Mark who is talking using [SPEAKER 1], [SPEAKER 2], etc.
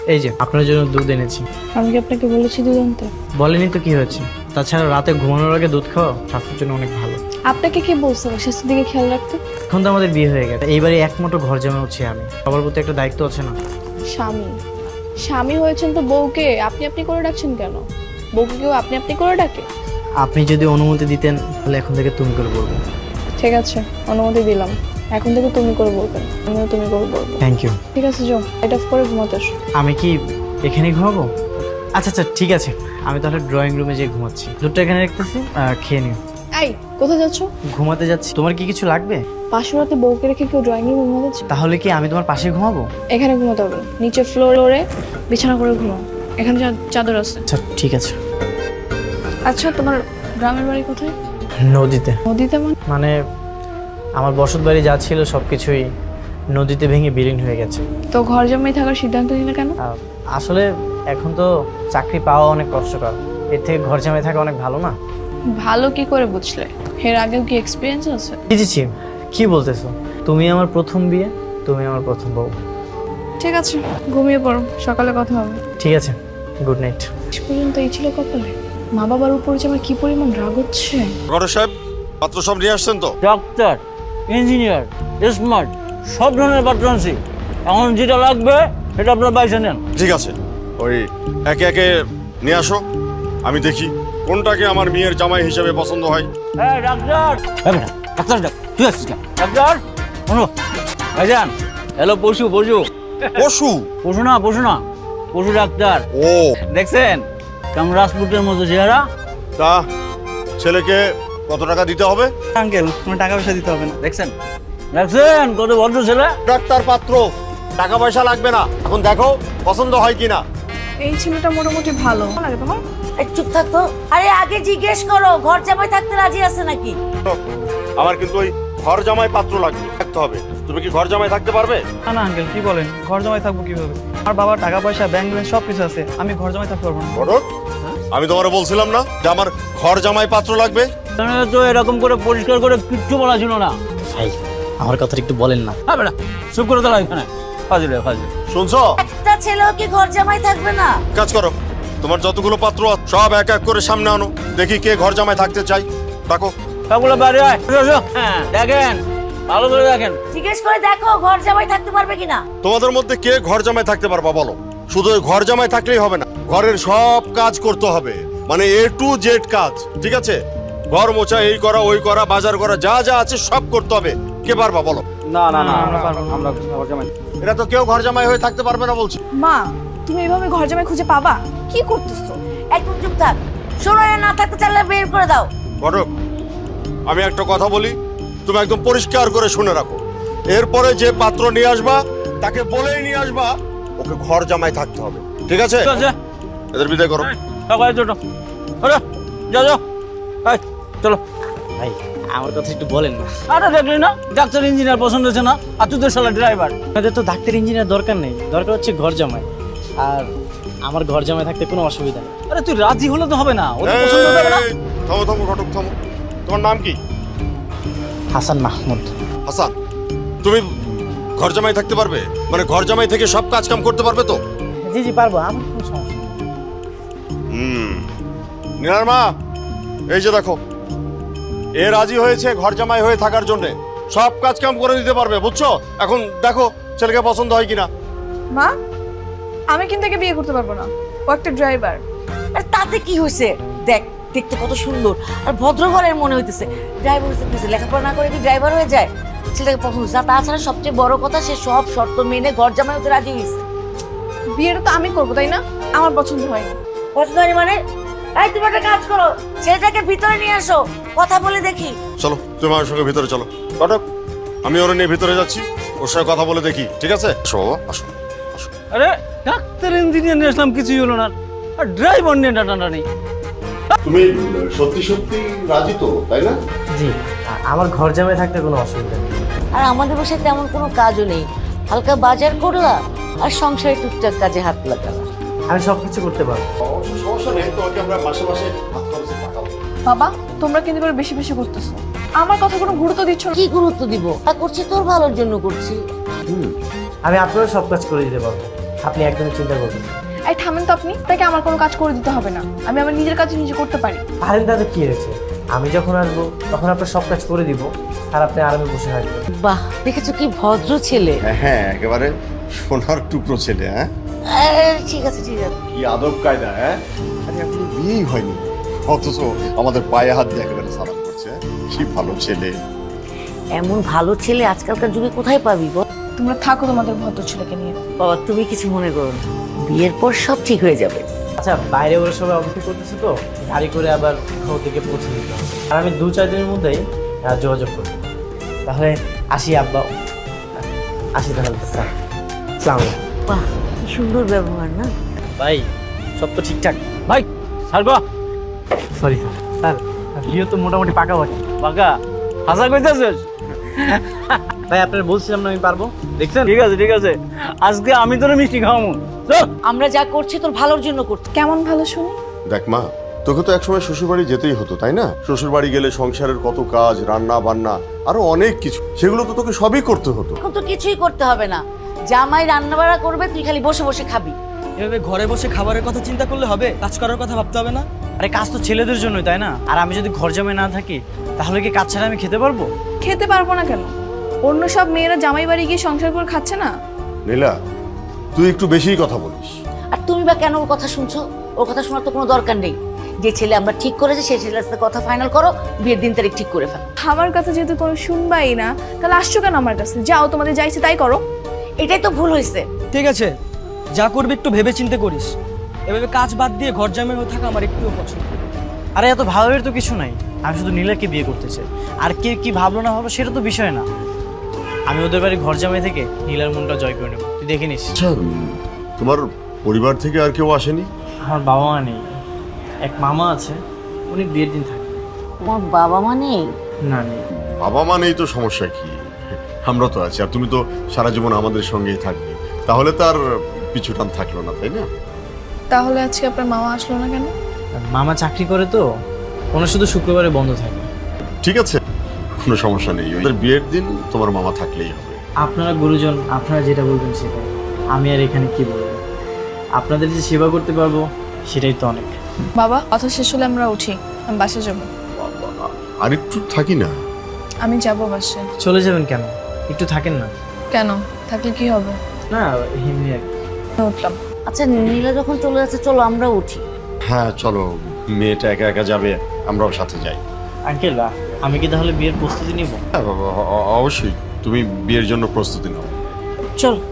[SPEAKER 1] এই যে আপনার জন্য দুধ এনেছি।
[SPEAKER 2] আমি কি আপনাকে বলেছি দুধ আনতে?
[SPEAKER 1] বলেনি তো কি হয়েছে? তাছাড়া রাতে ঘুমানোর আগে দুধ খাওয়া স্বাস্থ্যের জন্য অনেক ভালো।
[SPEAKER 2] আপনাকে কে বলছে স্বাস্থ্যের দিকে খেয়াল রাখতে?
[SPEAKER 1] এখন তো আমাদের বিয়ে হয়ে গেছে, এইবারে একমাত্র ঘর জমা হচ্ছে আমি, সবার প্রতি একটা দায়িত্ব আছে না?
[SPEAKER 2] স্বামী স্বামী হয়েছেন তো বউকে আপনি আপনি করে ডাকছেন কেন? বউকে কেউ আপনি আপনি করে ডাকে?
[SPEAKER 1] আপনি যদি অনুমতি দিতেন তাহলে এখন থেকে তুমি করে বলবো।
[SPEAKER 2] ঠিক আছে, অনুমতি দিলাম। এখন থেকে তুমি করে বলবেন, আমিও তুমি করে বলবো।
[SPEAKER 1] Thank you.
[SPEAKER 2] ঠিক আছে, যাও এটা অফ করে ঘুমাতে এসো।
[SPEAKER 1] আমি কি এখানেই ঘুমাবো? আচ্ছা আচ্ছা ঠিক আছে, আমি তাহলে ড্রয়িং রুমে যেয়ে ঘুমাচ্ছি। দুধটা এখানে রাখতেছি, খেয়ে নিও।
[SPEAKER 2] এই কোথায় যাচ্ছ?
[SPEAKER 1] ঘুমাতে যাচ্ছি। তোমার কি কিছু লাগবে?
[SPEAKER 2] পাশের রাতে বউকে রেখে কেউ ড্রয়িং রুমে ঘুমাতে?
[SPEAKER 1] তাহলে কি আমি তোমার পাশে ঘুমাবো?
[SPEAKER 2] এখানে ঘুমাতে হবে না, নিচে ফ্লোরে বিছানা করে ঘুমাও। এখানে চাদর আছে।
[SPEAKER 1] আচ্ছা ঠিক আছে।
[SPEAKER 2] আচ্ছা, তোমার গ্রামের বাড়ি কোথায়?
[SPEAKER 1] নদীতে।
[SPEAKER 2] নদীতে?
[SPEAKER 1] মানে আমার বসত বাড়ি যা ছিল সবকিছুই নদীতে ভেঙে বিলীন হয়ে গেছে।
[SPEAKER 2] তো ঘর জমাই থাকার সিদ্ধান্ত নিলে কেন?
[SPEAKER 1] আসলে এখন তো চাকরি পাওয়া অনেক কষ্টকর, এর থেকে ঘর জমায় থাকা অনেক ভালো না?
[SPEAKER 2] ভালো কি করে বুঝলে? এর আগেও কি এক্সপিরিয়েন্স আছে?
[SPEAKER 1] বুঝেছি। কি বলতেছো? তুমি আমার প্রথম বিয়ে, তুমি আমার প্রথম বউ।
[SPEAKER 2] ঠিক আছে, ঘুমিয়ে পড়ো, সকালে কথা হবে।
[SPEAKER 1] ঠিক আছে, গুড নাইট।
[SPEAKER 2] শেষ পর্যন্ত এই ছিল কপালে। মা বাবার উপর যে আমার কি পরিমাণ রাগ হচ্ছে।
[SPEAKER 3] গড় সাহেব, পাত্র সব নিয়ে আসছেন তো?
[SPEAKER 4] ডাক্তার, ইঞ্জিনিয়ার, স্মার্ট, সব ধরনের পাত্র আনছি। এখন যেটা লাগবে সেটা আপনার বাইসে নেন।
[SPEAKER 3] ঠিক আছে, ওই একে একে নিয়ে আসো, আমি দেখি কোনটাকে আমার মেয়ের জামাই হিসেবে পছন্দ হয়।
[SPEAKER 4] হ্যাঁ ডাক্তার, ডাক্তার ডাক, তুই আসছিস কেন? ডাক্তার শোনো, ভাইজান হ্যালো, পশু পশু
[SPEAKER 3] পশু?
[SPEAKER 4] পশু না, পশু না, পশু ডাক্তার।
[SPEAKER 3] ও,
[SPEAKER 4] দেখছেন কেমন রাজপুতের মতো চেহারা?
[SPEAKER 3] তা ছেলেকে কত টাকা দিতে হবে?
[SPEAKER 1] আঙ্কেল, কোনো টাকা পয়সা দিতে হবে না।
[SPEAKER 4] দেখছেন দেখছেন কত ভদ্র ছেলে।
[SPEAKER 3] ডাক্তার পাত্র, টাকা পয়সা লাগবে না, এখন দেখো পছন্দ হয় কিনা।
[SPEAKER 2] এই ছেলেটা মোটামুটি ভালো লাগে তোমার?
[SPEAKER 5] চুপ থাকতো। আরে আগে জিজ্ঞেস করো ঘর জামাই থাকতে রাজি আছে নাকি?
[SPEAKER 3] আমার কিন্তু ওই ঘর জামাই পাত্র লাগবে, থাকতে হবে। তুমি কি ঘর জামাই থাকতে পারবে?
[SPEAKER 6] না না আঙ্কেল, কি বলেন? ঘর জমায় থাকবো কিভাবে? আমার বাবার টাকা পয়সা, ব্যাংক ব্যালেন্স সব কিছু আছে, আমি ঘর জমায় থাকতে পারবো না।
[SPEAKER 3] ঘটক, আমি তোমারে বলছিলাম না যে আমার ঘর জামাই পাত্র লাগবে?
[SPEAKER 4] তো এরকম করে পরিষ্কার করে কিচ্ছু বলা ছিল না।
[SPEAKER 1] ভাই আমার কথাটা একটু বলেন না।
[SPEAKER 4] হ্যাঁ বেটা, চুপ করে দাঁড়া এখানে, ফাজিল ফাজিল।
[SPEAKER 3] শুনছো?
[SPEAKER 5] একটা ছেলেও কি ঘর জামাই থাকবে না?
[SPEAKER 3] কাজ করো, তোমার যতগুলো পাত্র আছে, সব এক এক করে সামনে আনো, দেখি কে ঘর জামাই থাকতে চাই। ডাকো।
[SPEAKER 4] সবগুলো বাইরে আয়, হ্যাঁ দেখেন, ভালো করে দেখেন।
[SPEAKER 5] জিজ্ঞেস করে দেখো ঘর জামাই থাকতে পারবে কিনা।
[SPEAKER 3] তোমাদের মধ্যে কে ঘর জামাই থাকতে পারবা বলো? শুধু ওই ঘর জামাই থাকলেই হবে না, ঘরের সব কাজ করতে হবে, মানে A to Z কাজ, ঠিক আছে? ঘর মোছা, এই করা ওই করা, বাজার করা, যা যা আছে সব করতে হবে। কে পারবা বলো?
[SPEAKER 4] না না না,
[SPEAKER 6] আমরা পারবো না।
[SPEAKER 4] আমরা ঘর জামাই।
[SPEAKER 3] এটা তো কেউ ঘর জামাই হয়ে থাকতে পারবে না বলছি।
[SPEAKER 2] মা, তুমি এভাবে ঘর জামাই খুঁজে পাবা?
[SPEAKER 5] কি করতেছো? একদম চুপ থাক। শোনো, এ না থাকতে চাইলে বের করে দাও।
[SPEAKER 3] ঘটক, আমি একটা কথা বলি, তুমি একদম পরিষ্কার করে শুনে রাখো। এরপরে যে পাত্র নিয়ে আসবা তাকে বলেই নিয়ে আসবা ওকে ঘর জামাই থাকতে হবে, ঠিক আছে?
[SPEAKER 4] ঠিক আছে,
[SPEAKER 3] এদের বিদায় করো।
[SPEAKER 4] সবাই ছোট, আরে যাও যাও, এই, চলো।
[SPEAKER 1] ভাই আমার কথা একটু বলেন না।
[SPEAKER 4] আরে দেখলি না, ডাক্তার ইঞ্জিনিয়ার পছন্দ হচ্ছে না, আর তুই তো শালা ড্রাইভার।
[SPEAKER 1] আমাদের তো ডাক্তার ইঞ্জিনিয়ার দরকার নেই, দরকার হচ্ছে ঘর জামাই। আর আমার ঘর জামাই থাকতে কোনো অসুবিধা নেই।
[SPEAKER 4] আরে তুই রাজি হলে তো হবে না, ওদের পছন্দ হবে না।
[SPEAKER 3] এই, থামো থামো ঘটক, থামো। তোমার নাম কি?
[SPEAKER 1] হাসান মাহমুদ।
[SPEAKER 3] হাসান, তুমি ঘর জামাই থাকতে পারবে? মানে ঘর জামাই থেকে সব কাজ কাম করতে পারবে তো?
[SPEAKER 1] জি জি পারবো, আমার কোনো সমস্যা নেই।
[SPEAKER 3] নীলার মা, এই যে দেখো, এ রাজি হয়েছে ঘর জামাই হয়ে থাকার জন্য, সব কাজ কাম করে দিতে পারবে, বুঝছো? এখন দেখো ছেলেকে পছন্দ হয় কিনা।
[SPEAKER 2] মা, আমি কিন্তু একে বিয়ে করতে পারবো না, ও একটা ড্রাইভার।
[SPEAKER 5] আর তাতে কি হয়েছে? দেখ, দেখতে কত সুন্দর আর ভদ্র ঘরের মনে হইতেছে। ড্রাইভার হইতেছে, লেখাপড়া না করে কি ড্রাইভার হয়ে যায়? ছেলেটাকে পছন্দ হচ্ছে। আর তাছাড়া সবচেয়ে বড় কথা, সে সব শর্ত মেনে ঘর জামাই হতে রাজি হয়েছে।
[SPEAKER 2] বিয়েটা তো আমি করবো, তাই না? আমার পছন্দ হয়নি।
[SPEAKER 5] পছন্দ হয়নি মানে? এই, তুমি একটা কাজ করো, ছেলেটাকে ভিতরে নিয়ে আসো, কথা বলে দেখি।
[SPEAKER 3] চলো, তুমি আমার সঙ্গে ভিতরে চলো। ঘটক, আমি ওর নিয়ে ভিতরে যাচ্ছি, ওর সঙ্গে কথা বলে দেখি, ঠিক আছে? আসো বাবা, আসো আসো।
[SPEAKER 4] আরে ডাক্তার ইঞ্জিনিয়ার নিয়ে আসলাম, কিছুই হলো না, আর ড্রাইভার নিয়ে টানাটানি।
[SPEAKER 3] তুমি সত্যি সত্যি রাজি তো, তাই না?
[SPEAKER 1] জি, আমার ঘর জামাই থাকতে কোনো অসুবিধা নেই।
[SPEAKER 5] আর আমাদের বাসায় তেমন কোনো কাজও নেই, হালকা বাজার করলা আর সংসারে টুকটাক কাজে হাত লাগালা।
[SPEAKER 1] আমি সব কিছু করতে পারবো।
[SPEAKER 3] সমস্যা নেই, তোমাকে আমরা মাসে মাসে হাত খরচে পাঠাবো।
[SPEAKER 2] বাবা, তোমরা কিন্তু এবার বেশি বেশি করতেছো, আমার কথা কোনো গুরুত্ব দিচ্ছ না।
[SPEAKER 5] কি গুরুত্ব দিব? তা করছি তোর ভালোর জন্য করছি।
[SPEAKER 1] আমি আপনারও সব কাজ করে দিতে পারবো। আপনি একদমই চিন্তা করবেন না।
[SPEAKER 2] এই থামেন তো আপনি, তাকে আমার কোনো কাজ করে দিতে হবে না, আমি আমার নিজের কাজ নিজে করতে পারি।
[SPEAKER 1] পারেন তাতে কি হয়েছে, আমি যখন আসবো তখন আপনার সব কাজ করে দিব, আর আপনি আরামে বসে থাকবেন।
[SPEAKER 5] বাহ, দেখেছো কি ভদ্র ছেলে।
[SPEAKER 3] হ্যাঁ একেবারে সোনার টুকরো ছেলে। হ্যাঁ
[SPEAKER 5] ঠিক আছে ঠিক আছে।
[SPEAKER 3] কি আদব কায়দা। হ্যাঁ আরে এখনো বিয়েই হয়নি অথচ আমাদের পায়ে হাত দিয়ে একেবারে সালাম করছে। কি ভালো ছেলে।
[SPEAKER 5] এমন ভালো ছেলে আজকালকার যুগে কোথায় পাবি বল?
[SPEAKER 2] তোমরা থাকো তোমাদের ভদ্র ছেলেকে নিয়ে।
[SPEAKER 5] বাবা তুমি কিছু মনে করো না, বিয়ের পর সব ঠিক হয়ে যাবে।
[SPEAKER 1] আচ্ছা, বাইরে ওরা সবাই অপেক্ষা করতেছে তো, গাড়ি করে আবার ওদিকে পৌঁছে দিতে হবে, আর আমি 2-4 দিনের মধ্যেই যোগাযোগ করবো। তাহলে আসি আব্বা, আসি তাহলে স্যার। আসসালামু আলাইকুম।
[SPEAKER 5] বাহ, কি সুন্দর ব্যবহার না?
[SPEAKER 1] ভাই সব তো ঠিকঠাক?
[SPEAKER 4] ভাই ছাড়বা
[SPEAKER 1] সরি স্যার। স্যার বিয়ে তো মোটামুটি পাকা বাকি।
[SPEAKER 4] বাঁকা হাসা কইতেছিস?
[SPEAKER 1] ভাই আপনার বলছিলাম না আমি পারবো, দেখছেন?
[SPEAKER 4] ঠিক আছে ঠিক আছে, আজকে আমি তোর মিষ্টি খাওয়াবো। চল।
[SPEAKER 5] আমরা যা করছি তোর ভালোর জন্য করছি।
[SPEAKER 2] কেমন ভালো শুনি?
[SPEAKER 3] দেখ মা, তোকে তো একসময় শ্বশুরবাড়ি যেতেই হতো তাই না? শ্বশুরবাড়ি গেলে সংসারের কত কাজ, রান্না বান্না, আরো অনেক কিছু, সেগুলো তো তোকে সবই করতে হতো।
[SPEAKER 5] এখন তো কিছুই করতে হবে না, জামাই রান্না বাড়া করবে, তুই খালি বসে বসে খাবি।
[SPEAKER 6] এভাবে ঘরে বসে খাবারের কথা চিন্তা করলে হবে? কাজ করার কথা ভাবতে হবে না?
[SPEAKER 1] আরে কাজ তো ছেলেদের জন্যই, তাই না? আর আমি যদি ঘর জামাই না থাকি তাহলে কি কাজ ছাড়া আমি খেতে পারবো?
[SPEAKER 2] খেতে পারবো না কেন? অন্য সব মেয়েরা জামাই বাড়ি গিয়ে সংসার করে খাচ্ছে না?
[SPEAKER 3] নীলা, তুই একটু বেশিই কথা বলিস।
[SPEAKER 5] আর তুমি বা কেন ওর কথা শুনছো? ওর কথা শোনার তো কোনো দরকার নেই। যে ছেলে আমরা ঠিক করেছি সেই ছেলের সাথে কথা ফাইনাল করো, বিয়ের দিন তারিখ ঠিক করে ফেলো।
[SPEAKER 2] আমার কথা যেহেতু কোনো শুনবাই না, তাহলে আসছো কেন আমার কাছে? যাও, তোমাদের যাইছে তাই করো।
[SPEAKER 5] এটাই তো ভুল হয়েছে।
[SPEAKER 6] ঠিক আছে, যা করবি একটু ভেবে চিন্তে করিস। এভাবে কাজ বাদ দিয়ে ঘর জামাই হয়ে থাকা আমার একটুও পছন্দ না।
[SPEAKER 1] আরে এত ভাবের তো কিছু নাই, আমি শুধু নীলাকে বিয়ে করতে চাই। আর কে কি ভাবলো না ভাবলো সেটা তো বিষয় না, আমি ওদের বাড়ি ঘর জামাই থেকে নীলার মনটা জয় করে নেবো, তুই দেখে নিস।
[SPEAKER 3] আচ্ছা, তোমার পরিবার থেকে আর কেউ আসেনি?
[SPEAKER 1] আমার বাবা মা নেই, এক মামা আছে, উনি বিয়ের দিন থাকবে।
[SPEAKER 5] তোমার বাবা মা নেই?
[SPEAKER 1] না নেই।
[SPEAKER 3] বাবা মা নেই তো সমস্যা কি, আমরা তো আছি, আর তুমি তো সারা জীবন আমাদের সঙ্গেই থাকবে, তাহলে তার পিছু টান থাকলো না, তাই না?
[SPEAKER 2] তাহলে আজকে আপনার মামা আসলো না কেন?
[SPEAKER 1] মামা চাকরি করে তো, ওনার শুধু শুক্রবারে বন্ধ থাকে।
[SPEAKER 3] ঠিক আছে, কোনো সমস্যা নেই, ওদের বিয়ের দিন তোমার মামা থাকলেই হবে।
[SPEAKER 1] আপনারা গুরুজন, আপনারা যেটা বলবেন সেটাই, আমি আর এখানে কি বলবো। আপনাদের যে সেবা করতে পারবো সেটাই তো অনেক।
[SPEAKER 2] বাবা, কথা শেষ হলে আমরা উঠি, আমি বাসে যাব।
[SPEAKER 3] আর একটু থাকি না?
[SPEAKER 2] আমি যাব বাসে।
[SPEAKER 1] চলে যাবেন কেন? একটু থাকেন না।
[SPEAKER 2] কেন? থাকলে কি হবে?
[SPEAKER 1] না এমনি আর কি।
[SPEAKER 2] আমি উঠলাম।
[SPEAKER 5] আচ্ছা, নীলা যখন চলে যাচ্ছে চলো আমরা উঠি।
[SPEAKER 3] হ্যাঁ চলো, মেয়েটা একা একা যাবে, আমরাও সাথে যাই।
[SPEAKER 1] আঙ্কেল, আমি কি তাহলে বিয়ের প্রস্তুতি নিব?
[SPEAKER 3] হ্যাঁ অবশ্যই, তুমি বিয়ের জন্য প্রস্তুতি নাও।
[SPEAKER 5] চল।